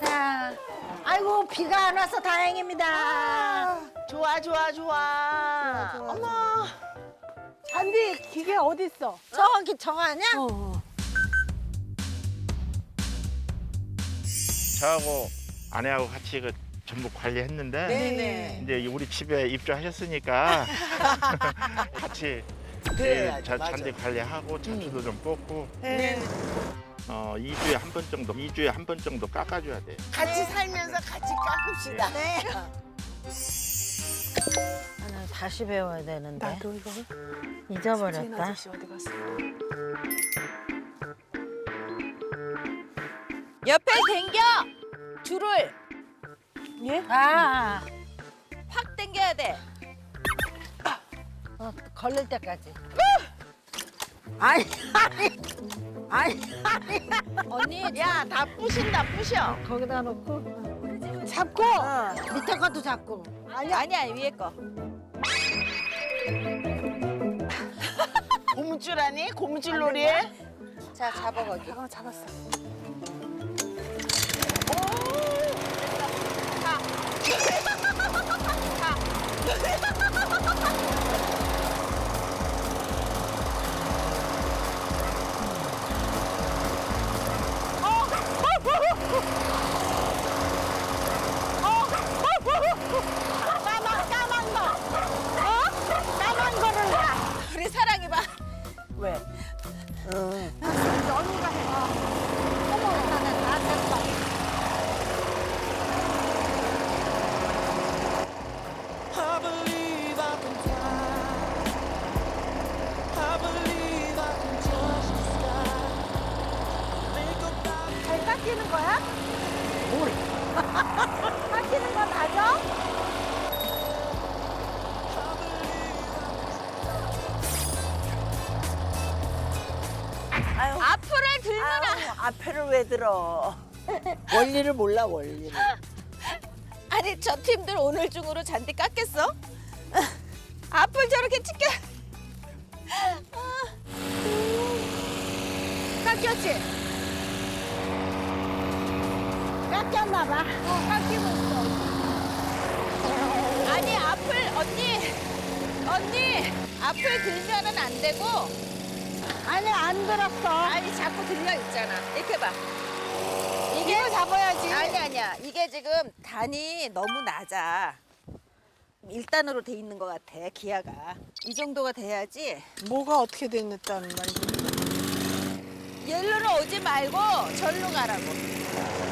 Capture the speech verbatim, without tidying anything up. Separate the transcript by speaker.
Speaker 1: 자, 아이고 비가 안 와서 다행입니다.
Speaker 2: 좋아 좋아 좋아.
Speaker 3: 좋아, 좋아,
Speaker 2: 어머.
Speaker 3: 잔디 기계 어디 있어?
Speaker 1: 저기 저거 아니야?
Speaker 3: 어.
Speaker 4: 저하고 아내하고 같이 그 전부 관리했는데
Speaker 2: 네네.
Speaker 4: 이제 우리 집에 입주하셨으니까 같이
Speaker 2: 그래야죠,
Speaker 4: 자-
Speaker 2: 맞아.
Speaker 4: 잔디 관리하고 자주도 좀 뽑고
Speaker 2: 네.
Speaker 4: 어, 이 주에 한 번 정도, 이 주에 한 번 정도 깎아줘야 돼요.
Speaker 2: 같이 살면서 같이 깎읍시다.
Speaker 1: 네. 나는 다시 배워야 되는데
Speaker 3: 나도 이거. 주인
Speaker 1: 잊어버렸다.
Speaker 3: 아저씨 어디 갔어?
Speaker 5: 옆에 당겨 줄을
Speaker 3: 예?
Speaker 1: 아,
Speaker 5: 확 당겨야 돼.
Speaker 1: 어, 걸릴 때까지. 아니, 아니, 아니, 아니.
Speaker 5: 언니
Speaker 2: 야, 다 부신다 부셔.
Speaker 1: 거기다 놓고
Speaker 3: 잡고.
Speaker 1: 어, 밑에 것도 잡고.
Speaker 5: 아니야 아니야 위에 거.
Speaker 2: 고무줄 아니? 고무줄 놀이해?
Speaker 5: 자 잡아 거기.
Speaker 3: 어, 잡았어.
Speaker 1: 까만 까만 거. 어? 까만 거를 봐.
Speaker 5: 우리 사랑이 봐.
Speaker 2: 왜?
Speaker 1: 언니가 해. 어머, 나는 다 됐어.
Speaker 6: I believe I can fly. I believe I can touch the sky. Think about
Speaker 1: 잘 깎이는 거야? 뭘? 깎이는 거 맞아?
Speaker 5: 앞을 들거나.
Speaker 2: 앞에를 왜 들어? 원리를 몰라 원리를.
Speaker 5: 아니 저 팀들 오늘 중으로 잔디 깎겠어? 앞을 저렇게 치켜.
Speaker 1: 깎였지? 깎였나 봐. 어, 깎이고 있어.
Speaker 5: 아니 앞을 언니 언니 앞을 들면은 안 되고.
Speaker 1: 아니, 안 들었어.
Speaker 5: 아니 자꾸 들려 있잖아. 이렇게 봐. 이게
Speaker 1: 이거 잡아야지.
Speaker 5: 아니 아니야. 이게 지금 단이 너무 낮아. 일 단으로 돼 있는 것 같아. 기아가 이 정도가 돼야지.
Speaker 3: 뭐가 어떻게 됐다는 말이지?
Speaker 5: 여기로 오지 말고 절로 가라고.